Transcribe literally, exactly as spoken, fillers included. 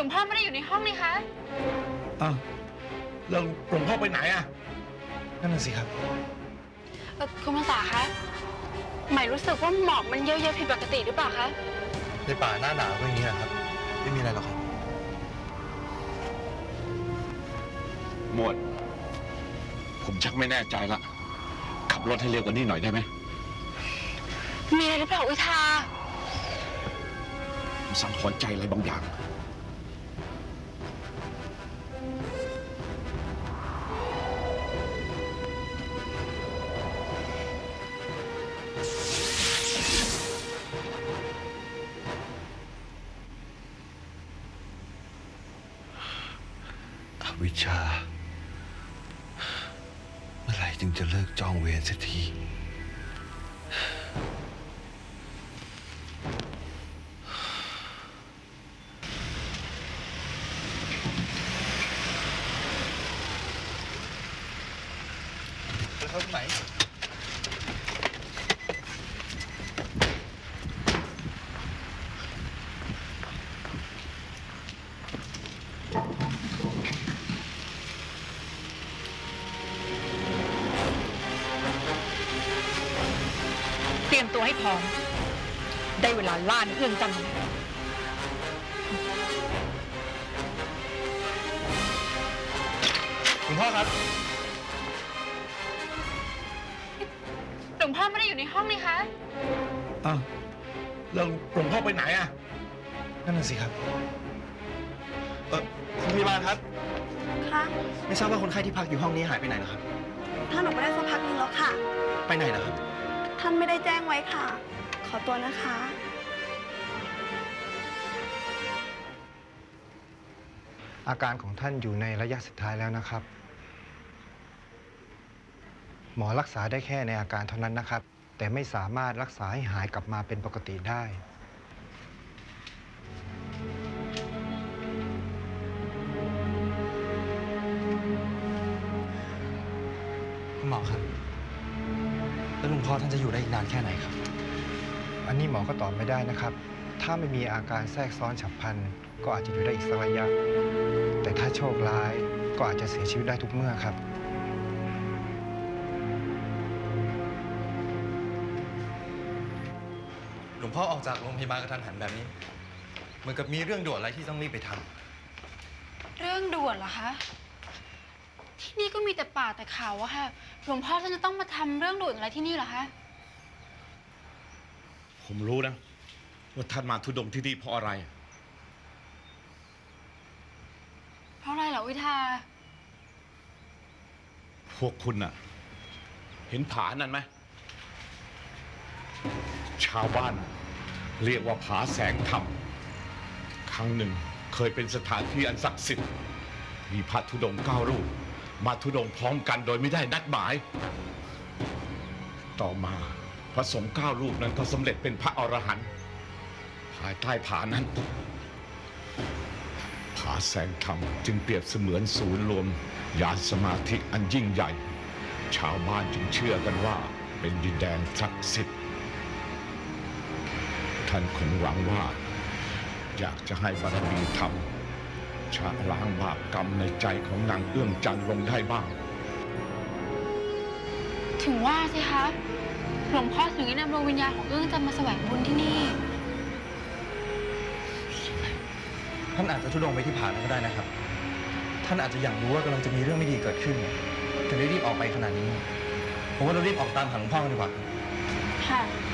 วงพ่อไม่ได้อยู่ในห้องนี่คะอ้าวแล้วหลวงพ่อไปไหนอ่ะนั่นน่ะสิครับเออคุณภาษาคะหมายรู้สึกว่าหมอกมันเยอะๆผิดปกติหรือเปล่าคะในป่าหน้าหนาวก็อย่างนี้แหละครับไม่มีอะไรหรอกครับหมวดผมชักไม่แน่ใจละขับรถให้เร็วกว่านี้หน่อยได้ไหมมีอะไรหรือเปล่าอุทาผมสังหรณ์ใจอะไรบางอย่างอวิชชาเมื่อไหร่จึงจะเลิกจองเวรสักทีจะเข้าไหนเตรียมตัวให้พร้อมได้เวลาล่าเรื่องจำหลวงพ่อครับหลวงพ่อไม่ได้อยู่ในห้องนี่คะอ้าวแล้วหลวงพ่อไปไหนอ่ะนั่นน่ะสิครับเออคุณพยาบาลครับค่ะไม่ทราบว่าคนไข้ที่พักอยู่ห้องนี้หายไปไหนเหรอครับท่านออกไปได้สักพักนึงแล้วค่ะไปไหนเหรอครับท่านไม่ได้แจ้งไว้ค่ะขอตัวนะคะอาการของท่านอยู่ในระยะสุดท้ายแล้วนะครับ หมอรักษาได้แค่ในอาการเท่านั้นนะครับ แต่ไม่สามารถรักษาให้หายกลับมาเป็นปกติได้คุณหมอครับแล้วหลวงพ่อท่านจะอยู่ได้อีกนานแค่ไหนครับอันนี้หมอก็ตอบไม่ได้นะครับ ถ้าไม่มีอาการแทรกซ้อนฉับพลันก็อาจจะอยู่ได้อีกสักระยะ แต่ถ้าโชคร้ายก็อาจจะเสียชีวิตได้ทุกเมื่อครับหลวงพ่อออกจากโรงพยาบาลกระทันหันแบบนี้เหมือนกับมีเรื่องด่วนอะไรที่ต้องรีบไปทำเรื่องด่วนเหรอคะที่นี่ก็มีแต่ป่าแต่เขาอะค่ะหลวงพ่อท่านจะต้องมาทำเรื่องด่วนอะไรที่นี่เหรอคะผมรู้นะว่าท่านมาทุดงที่นี่เพราะอะไรเพราะอะไรเหรอวิทาพวกคุณน่ะเห็นผานั่นไหมชาวบ้านเรียกว่าผาแสงธรรมครั้งหนึ่งเคยเป็นสถานที่อันศักดิ์สิทธิ์มีพระธุดงค์เก้ารูปมาธุดงค์พร้อมกันโดยไม่ได้นัดหมายต่อมาพระสงฆ์เก้ารูปนั้นก็สำเร็จเป็นพระอรหันต์ภายใต้ผานั้นผาแสงธรรมจึงเปรียบเสมือนศูนย์รวมญาณสมาธิอันยิ่งใหญ่ชาวบ้านจึงเชื่อกันว่าเป็นดินแดนศักดิ์สิทธิ์ท่านคงหวังว่าอยากจะให้บารมีธรรมชะล้างบาปกรรมในใจของนางเอื้องจันทร์ลงได้บ้างถึงว่าสิคะหลวงพ่อถึงได้นำดวงวิญญาณของเอื้องจันทร์มาแสวงบุญที่นี่ท่านอาจจะทุดงไปที่ผานั้นก็ได้นะครับท่านอาจจะอยากรู้ว่ากำลังจะมีเรื่องไม่ดีเกิดขึ้นถึงได้รีบออกไปขนาดนี้ผมว่าเรารีบออกตามหาหลวงพ่อกันดีกว่าค่ะ